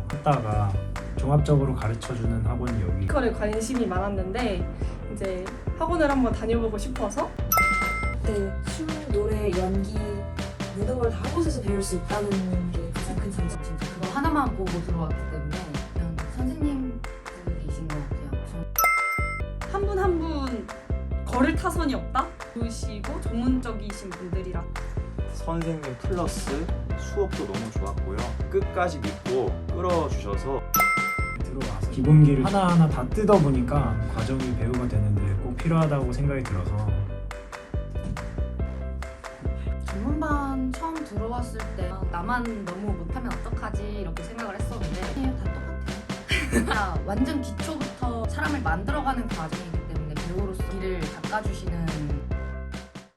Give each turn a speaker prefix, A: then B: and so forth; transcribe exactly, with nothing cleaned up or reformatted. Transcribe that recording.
A: 했다가 종합적으로 가르쳐주는 학원이 여기.
B: 뮤지컬에 관심이 많았는데 이제 학원을 한번 다녀보고 싶어서
C: 네, 춤, 노래, 연기 모든 걸 다 한 곳에서 배울 수 있다는 게 가장 큰 장점.
D: 진짜 그거 하나만 보고 들어왔기 때문에 그냥 선생님들이신 것 같아요.
B: 한 분 한 분 거를 타선이 없다? 좋으시고 전문적이신 분들이라
E: 선생님 플러스 수업도 너무 좋았고요. 끝까지 믿고 끌어주셔서
A: 들어와서 기본기를 하나하나 다 뜯어보니까 과정이 배우가 되는데 꼭 필요하다고 생각이 들어서
D: 전문반 처음 들어왔을 때 아, 나만 너무 못하면 어떡하지 이렇게 생각을 했었는데 아니에요, 다 똑같아요. 진짜 완전 기초부터 사람을 만들어가는 과정이기 때문에 배우로서 길을 닦아주시는